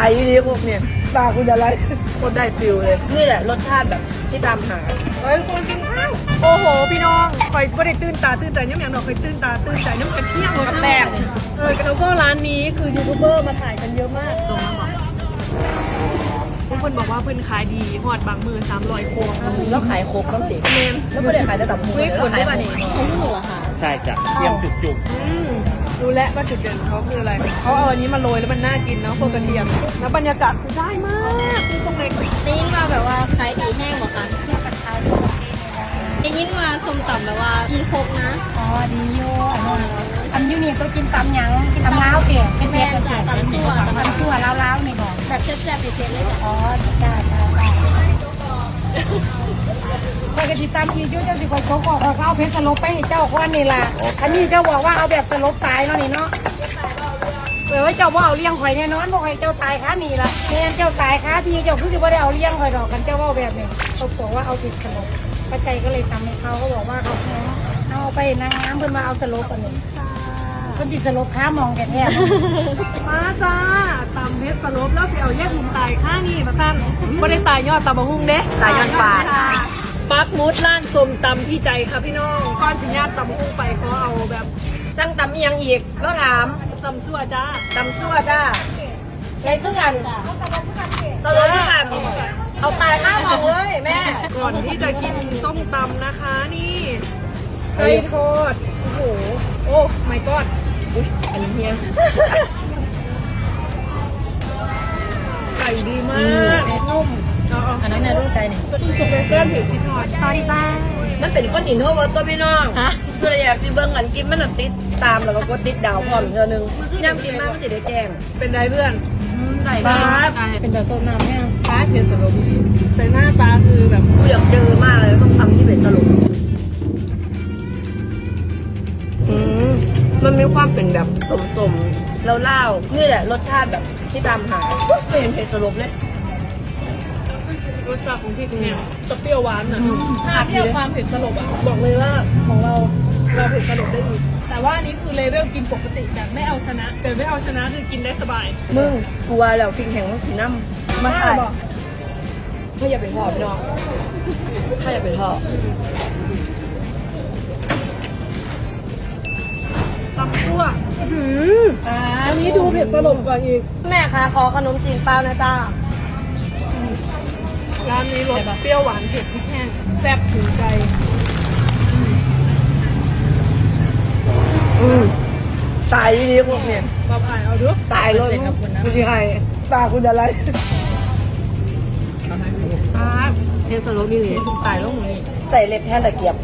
ายอยู่ดีพวกเนี่ยตาคุณจะไรโคตรได้ฟิลเลยนี่แหละรสชาติแบบที่ตามหาเฮ้ยคนกินข้าวโอ้โหพี่น้องคอยไม่ได้ตื่นตาตื่นใจน้ำอย่างเราคอยตื่นตาตื่นใจน้ำกระเทียมกับแป้งแล้วก็ร้านนี้คือยูทูบเบอร์มาถ่ายกันเยอะมากตรงนั้นบอกเพื่อนบอกว่าเพื่อนขายดีหอดบางมือ300 โคกแล้วขายโคกต้องสิเมนแล้วไม่ได้ขายแต่ตับหมูไม่ควรได้ป่ะนี่ของที่หนูเหรอคะใช่จ้ะเทียมจุกดูแลว่าจุดเด่นของเขาคืออะไรเขาเอาอันนี้มาโรยแล้วมันน่ากินเนาะพวกกระเทียมแล้วบรรยากาศคือได้มากที่ตรงไหนได้ยินว่าแบบว่าขายดีแห้งหรอคะได้ยินว่าส้มตำแบบว่าดีครบนะอ๋อดีอยู่อันยูนี่ก็กินตำหยังกินตำล้าวเก่งเป็นแม่กันตำชั่วล้าวนี่บอกแบบแซ่บๆเผ็ดๆเลยจ้ะอ๋อได้ปกติตำที่ยูเจ้าสิคอยโกกเขาเอาเพชรสลบไปให้เจ้าก้อนนี่ล่ะอันนี้เจ้าบอกว่าเอาแบบสลบตายเนาะนี่เนาะเจ้าว่าเอาเลี้ยงข่อยแน่นอนบอกให้เจ้าตายค้านี่ล่ะแม่เจ้าตายค้าทีเจ้าคือว่าได้เอาเลี้ยงข่อยดอกกันเจ้าว่าแบบนี้เขาบอกว่าเอาติดสลบป้าใจก็เลยทำให้เขาบอกว่าเขาเอาไปนางงามเพิ่นมาเอาสลบกันนี่คนที่สลบค้ามองแกแทบมาจ้าตำเพชรสลบแล้วสิเอาแยกหุ่นตายข้านี่มาตั้นไม่ได้ตายยอดตำบะฮุ่งเด้ตายยอดปาดปักมุดร้านส้มตำพี่ใจค่ะพี่น้องก้อนสิญาติตำบะฮุ่งไปเขาเอาแบบสั่งตำยังอีกแล้วถามตำซั่วจ้าตำซั่วจ้าในเครื่องกันตลอดทุกกันเอาตายข้ามองเลยแม่ก่อนที่จะกินส้มตำนะคะนี่ไก่ทอดโอ้โหโอ้ไม่กอดอันนี้เฮียไก่ดีมากนุ่มอันนั้นเนี่ยรูปใจนี่สุกเป็นเส้นผิวที่ทอดสวัสดีจ้ามันเป็นก้อนหินโทษตัวพี่น้องเพื่ออยากที่เบิ้งอันกินมันติดตามแล้วก็กดติดดาวพร้อมเธอหนึ่งย่ำกินมากมันจะได้แจ้งเป็นไรเพื่อนไก่บ้าเป็นแบบโซนน้ำเนี่ยป้าเพชรสลบแต่หน้าตาคือแบบกูอยากเจอมากเลยต้องทำที่เพชรสลบมันมีความเป็นแบบสมๆแล้วเล่านี่แหละรสชาติแบบที่ตามหาไม่เห็นเพชรสลบเลยรสชาติของพี่เนี่ยจะเปรี้ยวหวานอ่ะถ้าเทียบความเผ็ดสลบอ่ะบอกเลยว่าของเราเผ็ดสลบได้อีกแต่ว่าอันนี้คือเลเวลกินปกติแบบไม่เอาชนะแต่ไม่เอาชนะคือกินได้สบายมึงกลัวแล้วพิงแข็งต้องสีน้ำมาถ่ายถ้าอย่าไปทอดพี่น้องถ้าอย่าไปทอดตำซั่วอันนี้ดูเผ็ดสลบกว่าอีกแม่คะขอขนมจีนเปล่านะจ้าร้านนี้รสเปรี้ยวหวานเผ็ดพริกแห้งแซ่บถึงใจตายดีพวกเนี่ยมาผ่านเอาด้วยตายเลยคุณสิใครตาคุณจะไรเทสโลมีเลยตายแล้วมึงใส่เล็บแทนตะเกียบ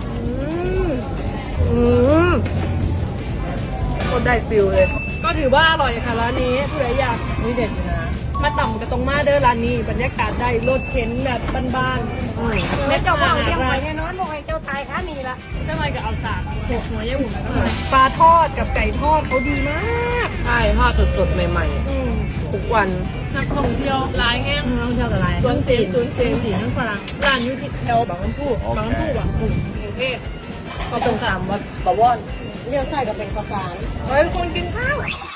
ก็ได้ฟิลเลยก็ถือว่าอร่อยค่ะร้านนี้ผู้ใดอยากนี่เด็ดนะมาต่ำกับตรงมาเด้อร้านนี้บรรยากาศได้รถเข็นแบบบ้านๆแม่เจ้าว่าเอาเลี้ยงข่อยแน่นอนบอกให้เจ้าตายค้านี่ล่ะเจ้าไม้กับเอาสากหกหัวยี่หุ่นปลาทอดกับไก่ทอดเขาดีมากใช่ทอดสดๆใหม่ๆทุกวันนักท่องเที่ยวร้ายแห้งนักท่องเที่ยวกับร้ายสวนสีนั่งฝรั่งร้านยูทิแถวบางลำพูบางลำพูแบบกรุงเทพก็ตรงข้ามวัดบวรเลี้ยวซ้ายกับเป็นข้าวสารเฮ้ยคนกินข้าว